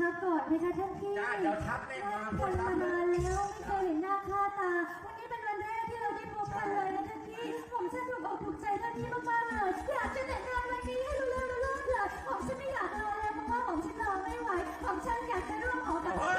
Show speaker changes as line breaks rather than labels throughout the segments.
ก่อนไหมคะท่านพี่
จ้าเดี๋ยวทับแม่มา
คนมานานแล้วไม่เคยเห็นหน้าค่าตาวันนี้เป็นวันแรกที่เราได้พบกันเลยนะท่านพี่ผมฉันถูกอกถูกใจท่านพี่มากๆเลยอยากจะแต่งงานวันนี้ให้รู้เรื่องเลยผมฉันไม่อยากรอเลยเพราะว่าผมฉันรอไม่ไหวผมฉันอยากจะร่วมหอกับท่าน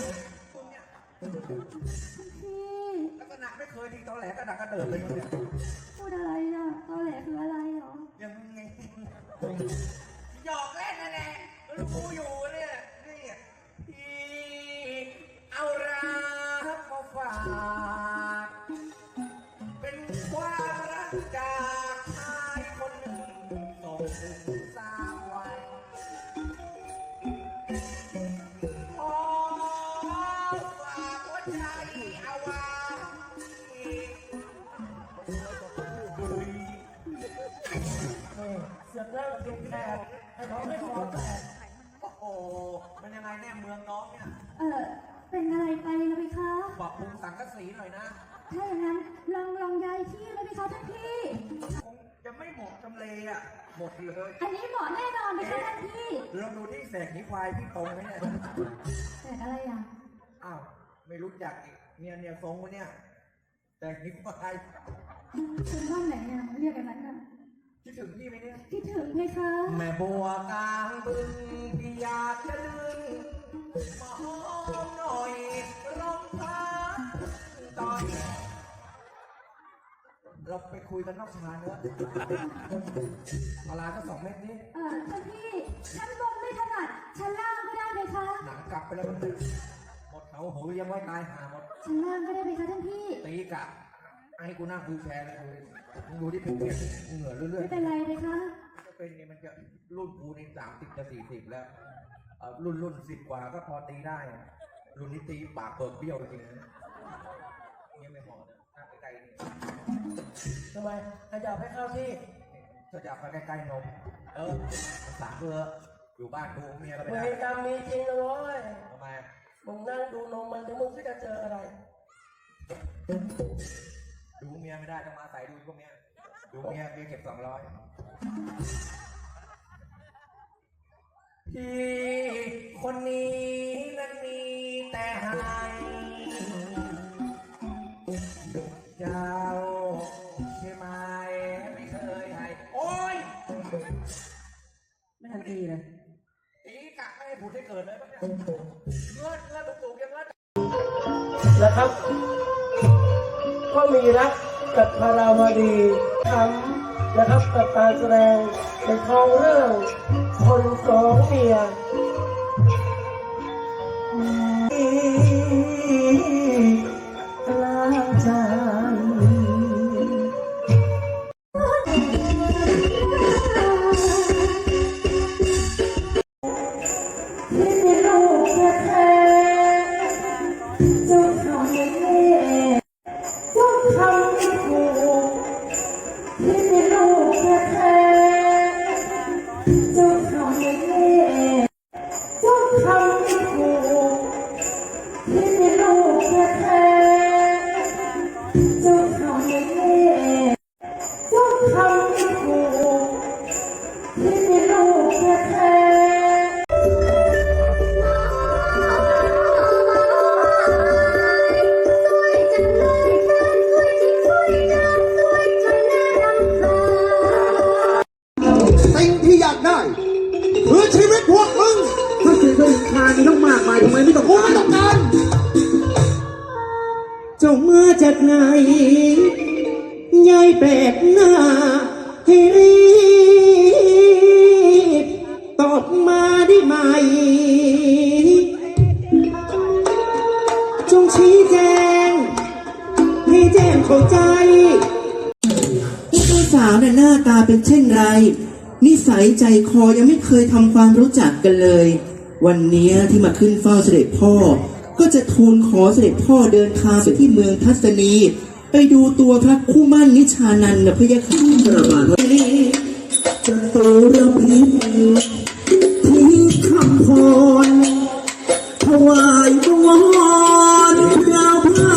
พี่
ลักษณะไม่เคยทีตอแหลกระดักกระเดิดเลยเนี่ย
พูดอะไรอ่ะตอแหลคืออะไรหรอ
ยังไงหยอกเล่นนั่นแหละรู้อยู่เนี่ยนี่ที่เอารักมาฝากเป็นความรักจากชายคนหนึ่งส่งสาวไว้ขอฝากหัวใจเอาไว้
เสือกเลิกกินแขกให้เขาไม่ขอแตก
โอ้โหมันยังไงแน่เมืองน้องเนี่ย
เป็นอะไรไปนะพี่คะ
ปรับปรุงสังกะสีหน่อยนะ
ถ้าอย่างนั้นลองย้ายที่เลยพี่คะท่านพี่
คงจะไม่เหมาะจำเลยอ่ะหมดเลย
อันนี้เหมาะแน่นอนพี่คะท่านพี่
ลองดูที่แสกนิ้วควายพี่ตรงไหมเนี่ย
แต่อะไรอ่ะ
อ้าวไม่รู้จักอีกเนี่ยทรงวะเนี่ยแสกนิ้วควาย
คุณบ้านไหนเนี่ยเรียกกันนั้นน่ะ
คิดถึงพี่ไหมเนี่ย
คิดถึงไหมคะ
แม่บัวกลางบึงพี่อยากจะดึงมาหอมหน่อยร้องพักตอนเราไปคุยกันนอกชานเนอะปลาก็2 เม็ดนี้
ท่านพี่ชั้นบนไม่ถนัดชั้นล่างก็ได้ไหมคะ
หนังกลับไปแล้วมันหมดเขาหูยังไม่ตายหาหมด
ชั้นล่างก็ได้ไหมคะท่านพี่
ตีกะให้กูนั่งคุยแชร์เลยมึงดูที่เพียงเหงื่อเรื่อย
ไม่เป็นไรไหมคะ
ๆจะเป็นนี่มันจะรุ่นกูนี่30จะ40แล้วรุ่น10 กว่าก็พอตีได้รุ่นนี้ตีปากเปิดเบี้ยวจริงๆนะเนี่ยไม่เหมาะนะนั่งใกล้ๆนี่
ทำไมให้จับให้เข้าที่
ถ้าจับไปใกล้ๆนมสามเพื่ออยู่บ้านดูเมียก็ไม่
เว
ได้
รกรรมมีจริงนะเว้ย
ทำไม
มึงนั่งดูนมมันเดี๋ยวมึงก็จะเจออะไร
ดูเมียไม่ได้ต้องมาใส่ดูพวกเมียดูเมียเก็บ200พี่คนนี้นั้นมีแต่ให้เจ้าใช่ไหมไม่เคยให้โอ๊ย
ไม่ทันทีเลย
ตีกะไม่ให้ผุดให้เกิดเลยปะเนี่ยเงื่อนตุกๆยังเงื่อน
นะครับ ก็มีรักกับพาราวดีทำนะครับกับการแสดงในทองเรื่องคน2 เมียกลางใจ
สิ่งที่อยากได้คือชีวิตพวกมึงถ้าสิ่งที่ทานต้องมากมายทำไมไม่ต้องการเจ้ามาจากไหนยายแปลกหน้าให้รีบตอบมาได้ไหมจงชี้แจงให้แจ้งเข้าใจผู้สาวน่ะหน้าตาเป็นเช่นไรนิสัยใจคอยังไม่เคยทำความรู้จักกันเลยวันนี้ที่มาขึ้นเฝ้าเสด็จพ่อก็จะทูลขอเสด็จพ่อเดินทางไปที่เมืองทัศนีไปดูตัวพระคู่มั่นนิชานันท์นะพะยะค่ะประมาณนี้จะตูระพิมที่คำพรถวายบวรดาวพระ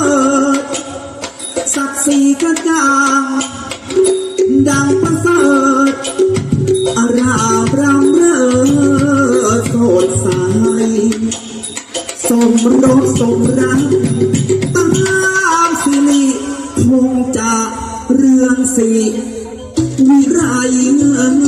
ศักดิ์ศรีกระจ่างดังประเสริฐอารามรำเริศสดใส
สมรสสมรักตามสิริคงจะเรืองสีวิไร